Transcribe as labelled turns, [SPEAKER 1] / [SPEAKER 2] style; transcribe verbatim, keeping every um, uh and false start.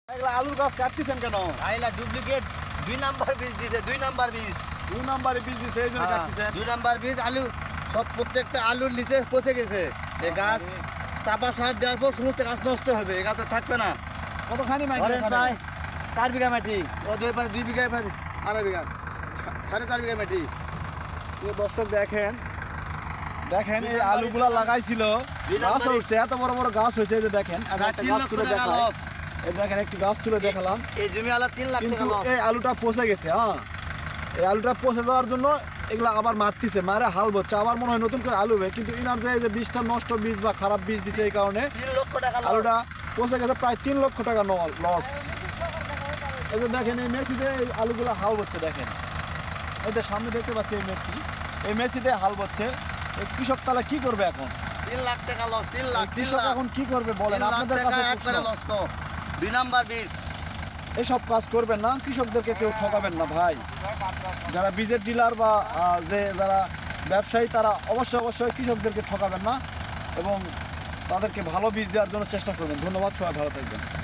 [SPEAKER 1] এগুলা আলুর গাছ কাটতেছেন কেন?
[SPEAKER 2] আইলা ডুপ্লিকেট দুই নাম্বার বীজ দিছে, দুই নাম্বার বীজ
[SPEAKER 1] দুই নাম্বারে বীজ দিছে এই জন্য কাটতেছেন।
[SPEAKER 2] দুই নাম্বার বীজ আলু সব প্রত্যেকটা আলুর নিচে পচে গেছে। এই গাছ চাপা সার দেওয়ার পর সমস্ত গাছ নষ্ট হবে, এই গাছে থাকবে না।
[SPEAKER 1] কতখানি মাটি
[SPEAKER 2] ধরেন
[SPEAKER 1] এখানে?
[SPEAKER 2] প্রায় চার বিঘা মাটি, ও দুই পারে দুই বিঘা আড়াই বিঘা সাড়ে চার বিঘা মাটি।
[SPEAKER 1] প্রিয় দর্শক দেখেন দেখেন এই আলুগুলা লাগাইছিল, গাছ উঠছে, এত বড় বড় গাছ হয়েছে। এই যে দেখেন আমি একটা গাছ তুলে দেখাই, এই দেখেন একটি গাছ তুলে দেখালাম,
[SPEAKER 2] এই জমি আলা তিন লাখ
[SPEAKER 1] কিন্তু
[SPEAKER 2] টাকা লস।
[SPEAKER 1] এই আলুটা পচে গেছে। হ্যাঁ, এই আলুটা পচে যাওয়ার জন্য এগুলা আবার মারতিছে, মারে হাল বচ্ছে, আবার মনে হয় নতুন করে আলু হবে। কিন্তু ইনার যে এই যে বীজটা নষ্ট বীজ বা খারাপ বীজ দিছে, এই কারণে
[SPEAKER 2] তিন লক্ষ টাকা লস।
[SPEAKER 1] আলুটা পচে গেছে, প্রায় তিন লক্ষ টাকা লস। এই যে দেখেন এই মেসিতে এই আলুগুলা হাল বচ্ছে, দেখেন এই যে সামনে দেখতে পাচ্ছি এই মেসি, এই মেসিতে হাল বচ্ছে। এই কৃষক তাহলে কি করবে এখন?
[SPEAKER 2] তিন লাখ টাকা লস, তিন লাখ তিন
[SPEAKER 1] কৃষক
[SPEAKER 2] লাখ
[SPEAKER 1] এখন কি করবে বলেন?
[SPEAKER 2] তিন লাখ
[SPEAKER 1] আপনাদের
[SPEAKER 2] টাকা
[SPEAKER 1] কাছে
[SPEAKER 2] একবারে
[SPEAKER 1] প্রশ্ন।
[SPEAKER 2] লস তো। দুই নাম্বার বীজ
[SPEAKER 1] এসব কাজ করবেন না, কৃষকদেরকে কেউ ঠকাবেন না ভাই। যারা বীজের ডিলার বা আহ, যে যারা ব্যবসায়ী, তারা অবশ্যই অবশ্যই কৃষকদেরকে ঠকাবেন না এবং তাদেরকে ভালো বীজ দেওয়ার জন্য চেষ্টা করবেন। ধন্যবাদ, সবাই ভালো থাকবেন।